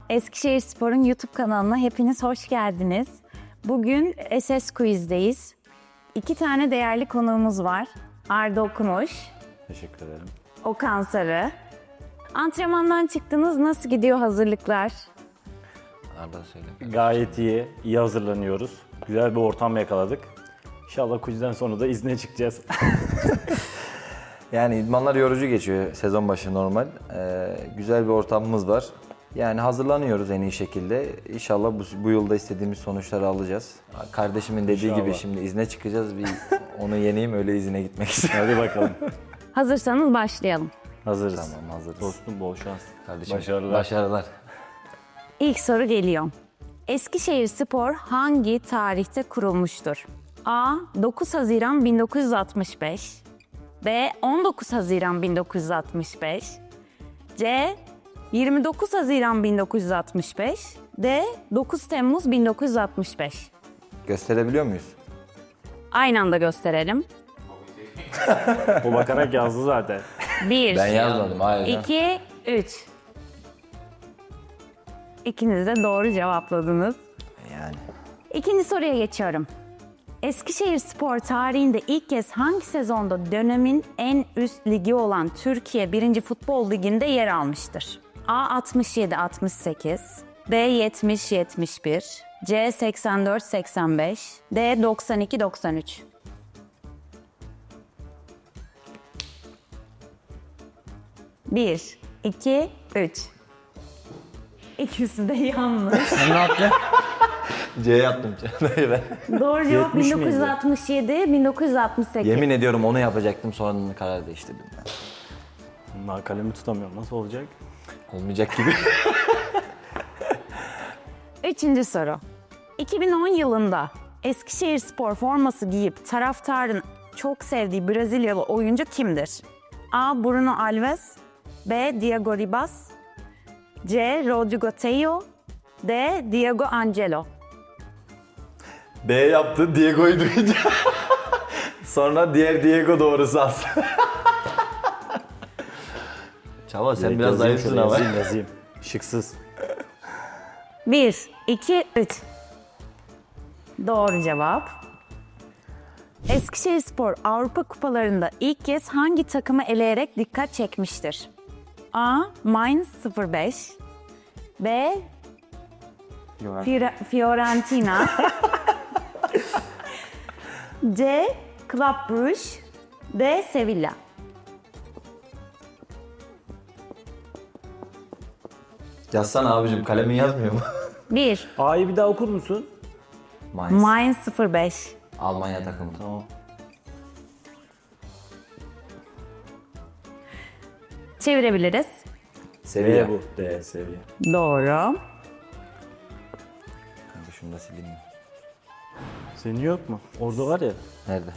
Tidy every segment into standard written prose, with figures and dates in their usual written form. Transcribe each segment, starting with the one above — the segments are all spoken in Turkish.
Eskişehirspor'un YouTube kanalına hepiniz hoş geldiniz. Bugün SS Quiz'deyiz. 2 tane değerli konuğumuz var. Arda Okumuş, Teşekkür ederim. Okan Sarı. Antrenmandan çıktınız, nasıl gidiyor hazırlıklar? Arda söyle. Gayet iyi, iyi hazırlanıyoruz. Güzel bir ortam yakaladık. İnşallah quizden sonra da izne çıkacağız. Yani idmanlar yorucu geçiyor sezon başı normal. Güzel bir ortamımız var. Yani hazırlanıyoruz en iyi şekilde. İnşallah bu yılda istediğimiz sonuçları alacağız. Kardeşimin dediği gibi İnşallah. şimdi izne çıkacağız. Bir onu yeneyim öyle izine gitmek istiyorum. Hadi bakalım. Hazırsanız başlayalım. Tamam, Hazırız. hazırız. Dostum bol şans. Kardeşim, Başarılar. Başarılar. İlk soru geliyor. Eskişehirspor hangi tarihte kurulmuştur? A. 9 Haziran 1965 B. 19 Haziran 1965 C. 29 Haziran 1965 D. 9 Temmuz 1965. Gösterebiliyor muyuz? Aynı anda gösterelim. O bakarak yazdı zaten. 1, Ben yazmadım, hayır. 2, 3. İkiniz de doğru cevapladınız. Yani. İkinci soruya geçiyorum. Eskişehirspor tarihinde ilk kez hangi sezonda dönemin en üst ligi olan Türkiye 1. Futbol Ligi'nde yer almıştır? A. 67-68 B. 70-71 C. 84-85 D. 92-93. Bir, iki, üç. İkisi de yanlış. Ne yaptın? C yaptım. Ben. Doğru cevap 70 miydi? 1967, 1968. Yemin ediyorum onu yapacaktım, sonra karar değiştirdim. Bunlar kalemi tutamıyorum. Nasıl olacak? Olmayacak gibi. Üçüncü soru. 2010 yılında Eskişehirspor forması giyip taraftarın çok sevdiği Brezilyalı oyuncu kimdir? A. Bruno Alves B. Diego Ribas C. Rodrigo Tello D. Diego Angelo. B yaptı, Diego'yu duyunca. Sonra diğer Diego doğrusu aslında. Çava sen biraz Yazayım zayıfsın şöyle, ama. yazayım. Şıksız. 1, 2, 3. Doğru cevap. Eskişehirspor Avrupa Kupalarında ilk kez hangi takımı eleyerek dikkat çekmiştir? A. Mainz 05 B. Fiorentina C. Club Brugge D. Sevilla. Yazsana abicim, kalemin yazmıyor mu? 1. A'yı bir daha okur musun? Mainz. Mainz 05 Almanya takımı. Tamam. Çevirebiliriz. Sevilla. B bu. D seviye. Doğru. Kanka şunu da sileyim mi? Senin yok mu? Orada var ya. Nerede?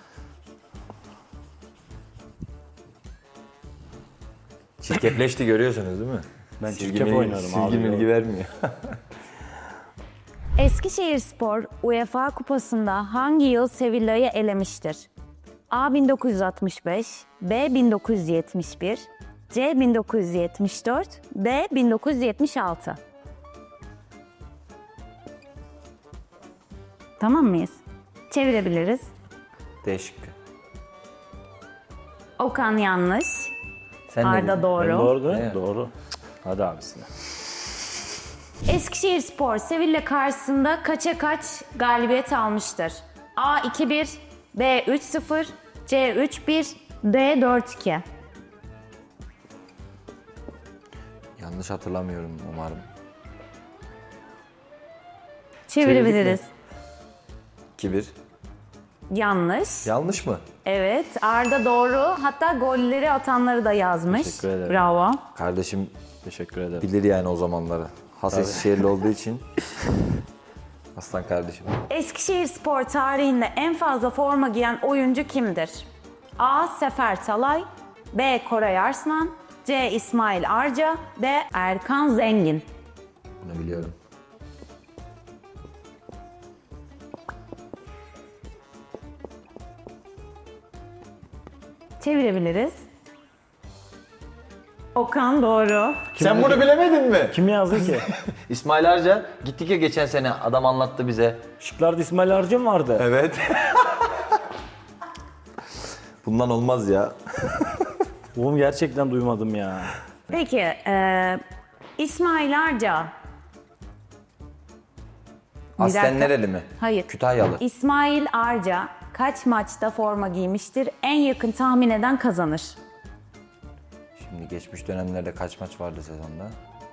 Çirkefleşti, görüyorsunuz değil mi? Ben çirkef oynarım abi. Silgi milgi vermiyor. Eskişehirspor UEFA Kupası'nda hangi yıl Sevilla'yı elemiştir? A. 1965 B. 1971 C. 1974 D. 1976. Tamam mıyız? Çevirebiliriz. D şıkkı. Okan yanlış. Sen ne Arda dedin? doğru. Ben doğru değil mi? Evet. Doğru. Hadi abisine. Eskişehirspor Sevilla karşısında kaça kaç galibiyet almıştır? A. 2-1 B. 3-0 C. 3-1 D. 4-2. Yanlış hatırlamıyorum umarım. Çevirebiliriz. 2-1. Yanlış. Yanlış mı? Evet, Arda doğru. Hatta golleri atanları da yazmış. Teşekkür ederim. Bravo. Kardeşim Teşekkür ederim. bilir yani o zamanları. Has Eskişehirli olduğu için. Aslan kardeşim. Eskişehirspor tarihinde en fazla forma giyen oyuncu kimdir? A. Sefer Talay B. Koray Arslan C. İsmail Arca D. Erkan Zengin. Bunu biliyorum. Çevirebiliriz. Okan doğru. Sen bunu bilemedin mi? Kim yazdı ki? İsmail Arca. Gittik ya geçen sene, adam anlattı bize. Şıklarda İsmail Arca mı vardı? Evet. Bundan olmaz ya. Oğlum gerçekten duymadım ya. Peki, İsmail Arca. Aslen dakika. nereli mi? Hayır. Kütahyalı. İsmail Arca kaç maçta forma giymiştir? En yakın tahmin eden kazanır. Şimdi geçmiş dönemlerde kaç maç vardı sezonda?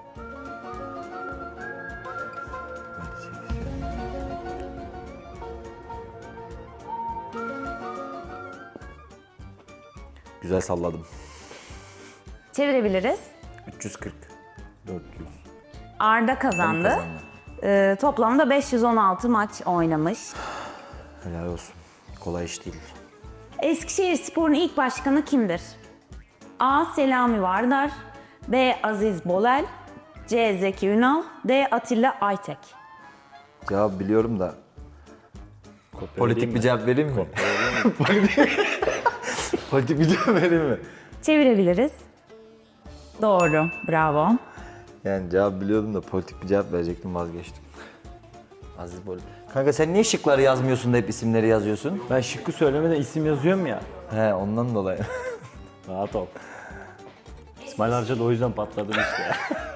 Güzel salladım. Çevirebiliriz. 340. 400. Arda kazandı. Toplamda 516 maç oynamış. Helal olsun. Kolay iş değil. Eskişehirspor'un ilk başkanı kimdir? A. Selami Vardar, B. Aziz Bolel, C. Zeki Ünal, D. Atilla Aytek. Cevap biliyorum da. Politik bir cevap vereyim mi? Politik bir cevap vereyim mi? Çevirebiliriz. Doğru, bravo. Yani cevap biliyordum da politik bir cevap verecektim, vazgeçtim. Aziz Bol. Kanka sen niye şıkları yazmıyorsun da hep isimleri yazıyorsun? Ben şıkkı söylemeden isim yazıyorum ya. He, ondan dolayı. Rahat ol. İsmail Arca da o yüzden patladım işte.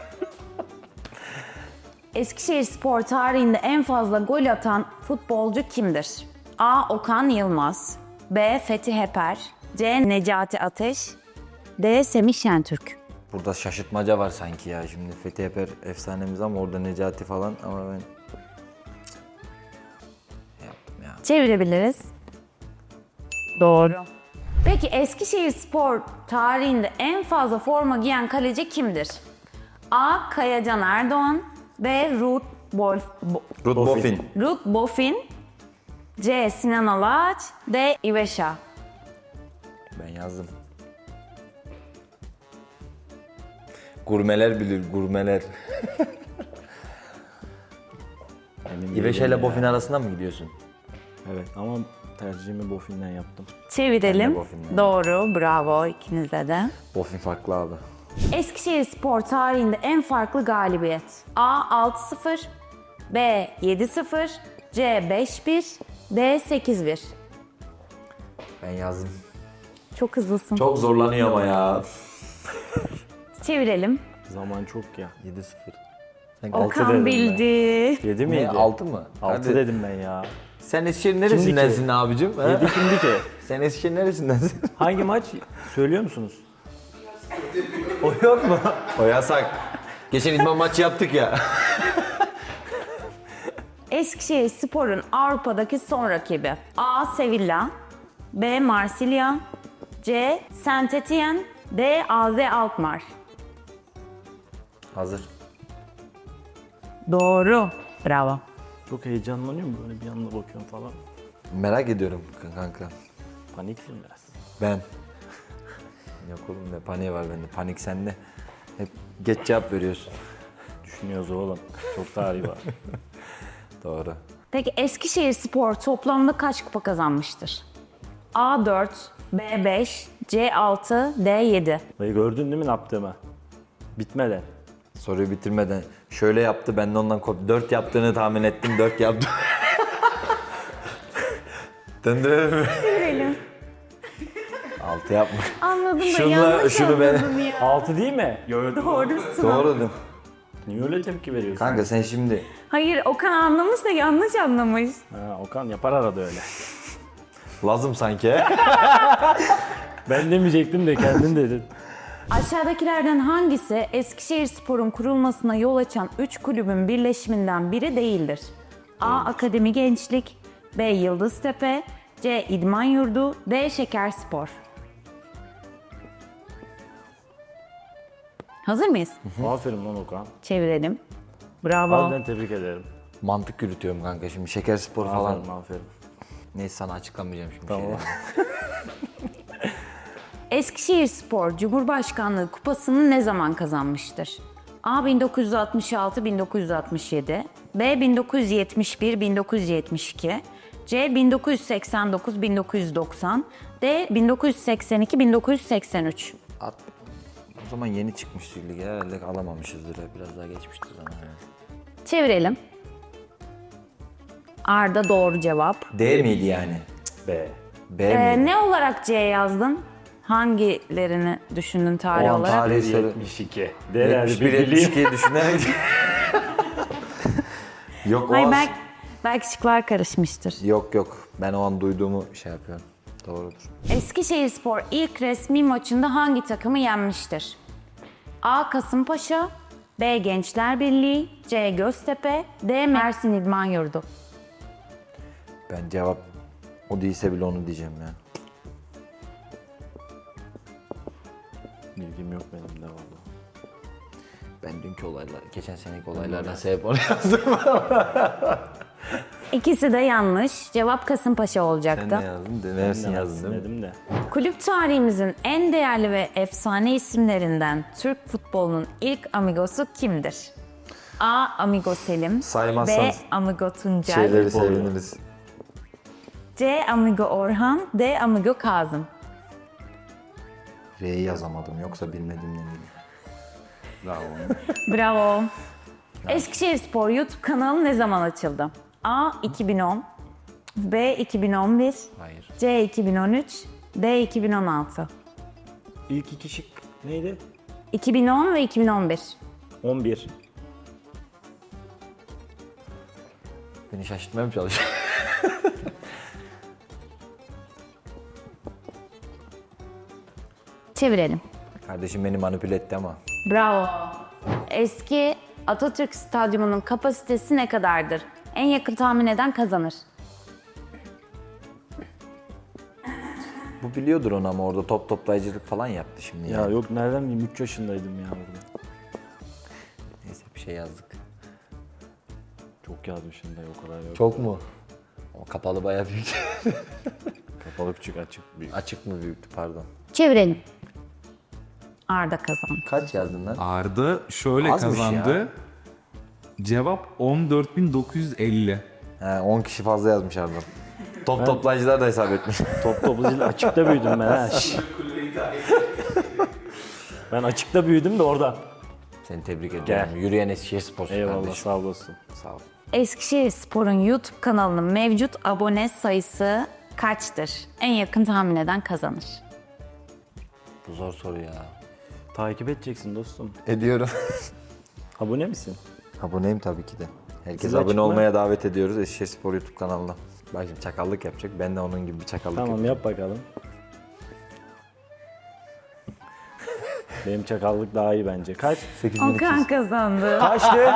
Eskişehirspor tarihinde en fazla gol atan futbolcu kimdir? A. Okan Yılmaz, B. Fethi Heper, C. Necati Ateş, D. Semih Şentürk. Burada şaşırtmaca var sanki ya. Şimdi Fethi Eper efsanemiz ama orada Necati falan, ama ben yaptım ya. Çevirebiliriz. Doğru. Peki Eskişehirspor tarihinde en fazla forma giyen kaleci kimdir? A. Kayacan Erdoğan, B. Ruth Boffin. Boffin. Ruth Boffin, C. Sinan Alaç, D. İveşa. Ben yazdım. Gurmeler bilir, gurmeler. Emin İveşe değilim ile ya. Boffin arasında mı gidiyorsun? Evet ama tercihimi Boffin'den yaptım. Çevirelim. Ben de Boffin'den. Doğru, bravo ikinize de. Boffin farklı abi. Eskişehirspor tarihinde en farklı galibiyet. A. 6-0, B. 7-0, C. 5-1, D. 8-1. Ben yazdım. Çok hızlısın. Çok zorlanıyor ama ya. Çevirelim. Zaman çok ya. 7-0. Sen Okan dedim bildi. 7 miydi? Ne, 6 mı? 6 Hadi. dedim ben ya. Sen Eskişehir neresindensin abicim? ha? 7 kimdi ki? Sen Eskişehir neresindensin? Hangi maç söylüyor musunuz? O yok mu? O yasak. Geçen idman maçı yaptık ya. Eskişehirspor'un Avrupa'daki son rakibi. A. Sevilla, B. Marsilya, C. Saint-Étienne, D. AZ Alkmaar. Hazır. Doğru. Bravo. Çok heyecanlanıyorum böyle bir anda bakıyorum falan. Merak ediyorum kanka. Paniksin biraz. Ben. Yok oğlum, ne paniği var bende. Panik sende. Hep geç cevap veriyorsun. Düşünüyoruz oğlum. Çok tarihi var. Doğru. Peki Eskişehirspor toplamda kaç kupa kazanmıştır? A 4, B 5, C 6, D 7. Dayı gördün değil mi ne yaptığımı? Bitmeden. Soruyu bitirmeden şöyle yaptı, ben de ondan 4 yaptığını tahmin ettim, 4 yaptım. Döndürelim mi? Görelim. 6 yapma. Anladım da Şunla- yanlış şunu ben- anladım ya. 6 değil mi? Doğrusun. Doğru dedim. Niye öyle tepki veriyorsun? Kanka sen şimdi Hayır Okan anlamış da yanlış anlamış. Ha, Okan yapar arada öyle. lazım sanki he? Ben demeyecektim de kendin dedin. Aşağıdakilerden hangisi Eskişehirspor'un kurulmasına yol açan 3 kulübün birleşiminden biri değildir? A. Akademi Gençlik, B. Yıldıztepe, C. İdman Yurdu, D. Şekerspor. Hazır mıyız? Aferin lan Okan. Çevirelim. Bravo. Harbiden tebrik ederim. Mantık yürütüyorum kanka şimdi, şeker spor falan. Aferin aferin. Neyse, sana açıklamayacağım şimdi Tamam. şeyleri. Eskişehirspor Cumhurbaşkanlığı Kupası'nı ne zaman kazanmıştır? A. 1966-1967, B. 1971-1972, C. 1989-1990, D. 1982-1983. O zaman yeni çıkmıştı lige herhalde alamamışızdır. Biraz daha geçmiştir zaman herhalde. Çevirelim. Arda doğru cevap. D miydi yani? B. B miydi? Ne olarak C yazdın? Hangilerini düşündün tarih O an olarak? tarih söyle. 72. D herhalde 71 bir bileyim. 72'yi düşünerek. Yok o Hayır, an... belki şıklar karışmıştır. Yok. Ben o an duyduğumu şey yapıyorum. Doğrudur. Eskişehirspor ilk resmi maçında hangi takımı yenmiştir? A. Kasımpaşa, B. Gençler Birliği, C. Göztepe, D. Mersin İdman Yurdu. Ben cevap o değilse bile onu diyeceğim ya. Bilgim yok benim de valla. Ben dünkü olaylar, geçen seneki olaylardan sebep onu yazdım. İkisi de yanlış. Cevap Kasımpaşa Sen olacaktı. ne yazdın? Mersin Ben de yazdın değil mi? dedim de. Kulüp tarihimizin en değerli ve efsane isimlerinden Türk futbolunun ilk amigosu kimdir? A. Amigo Selim, B. Saymazsanız Amigo Tuncel, Şeyleri seviniriz. C. Amigo Orhan, D. Amigo Kazım. R'yi yazamadım yoksa bilmediğimden değil. Bravo. Bravo. Eskişehirspor YouTube kanalı ne zaman açıldı? A. 2010, B. 2011, Hayır. C. 2013, D. 2016. İlk iki şık neydi? 2010 ve 2011. 11. Beni şaşırtmaya mı çalışıyor? Çevirelim. Kardeşim beni manipüle etti ama. Bravo. Eski Atatürk Stadyumu'nun kapasitesi ne kadardır? En yakın tahmin eden kazanır. Bu biliyordur onu ama orada top toplayıcılık falan yaptı şimdi Ya ya. yok nereden bileyim 3 yaşındaydım ya burada. Neyse bir şey yazdık. Çok yazmışım da o kadar yok. Çok mu? O kapalı bayağı büyük. Kapalı küçük açık büyük. Açık mı büyüktü pardon. Çevirelim. Arda kazandı. Kaç yazdın lan? Arda şöyle Azmış kazandı. ya. Cevap 14.950. He 10 kişi fazla yazmış Arda'm. Top toplayıcılar da hesap etmiş. Top toplayıcı açıkta büyüdüm ben ha. Şş. Ben açıkta büyüdüm de oradan. Seni tebrik ediyorum. Gel. Yürüyen Eskişehirspor Eyvallah kardeşim. sağ olasın. Sağ ol. Eskişehirspor'un YouTube kanalının mevcut abone sayısı kaçtır? En yakın tahmin eden kazanır. Bu zor soru ya. Takip edeceksin dostum. Ediyorum. Abone misin? Aboneyim tabii ki de. Herkes Siz abone açık mı? olmaya davet ediyoruz Eskişehirspor YouTube kanalına. Bak şimdi çakallık yapacak. Ben de onun gibi bir çakallık Tamam yapacağım. yap bakalım. Benim çakallık daha iyi bence. Kaç? 8200. Okan kazandı. Kaçtı?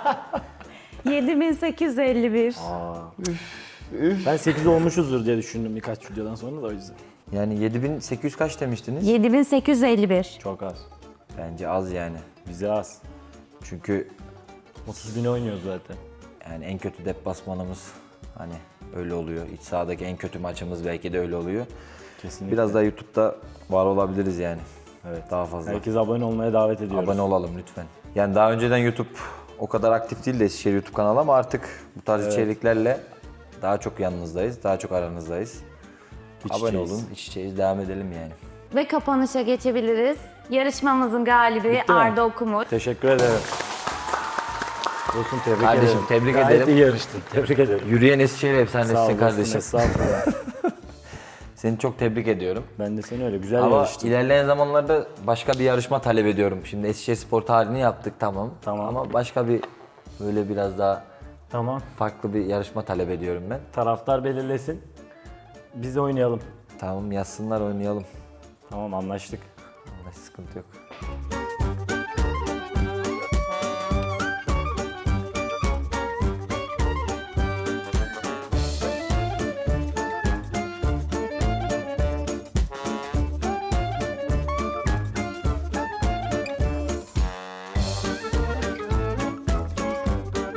7851. Ben 8 olmuşuzdur diye düşündüm birkaç videodan sonra da o yüzden. Yani 7800 kaç demiştiniz? 7851. Çok az. Bence az yani. Bize az. Çünkü 30 bin oynuyoruz zaten. yani en kötü deplasmanımız hani öyle oluyor. İç sahadaki en kötü maçımız belki de öyle oluyor. Kesinlikle. Biraz daha YouTube'da var olabiliriz yani. Evet. Daha fazla. Herkes abone olmaya davet ediyoruz. Abone olalım lütfen. Yani daha önceden YouTube o kadar aktif değildi Eskişehir YouTube kanalı ama artık bu tarz içeriklerle daha çok yanınızdayız, daha çok aranızdayız. İç Abone içeyiz. olun, iç içeyiz, devam edelim yani. Ve kapanışa geçebiliriz. Yarışmamızın galibi Bitti mi? Arda Okumur. Teşekkür ederim. Dostum tebrik Kardeşim, ederim. tebrik Gayet ederim. iyi yarıştın. Tebrik ederim. Yürüyen Eskişehir Sağ ol efsanesisin dostum, kardeşim. estağfurullah. Seni çok tebrik ediyorum. Ben de seni öyle güzel Ama yarıştın. ilerleyen zamanlarda başka bir yarışma talep ediyorum. Şimdi Eskişehirspor tarihini yaptık tamam. Tamam. Ama başka bir böyle biraz daha Tamam. farklı bir yarışma talep ediyorum ben. Taraftar belirlesin. Biz de oynayalım. Tamam yazsınlar oynayalım. Tamam anlaştık. Vallahi sıkıntı yok.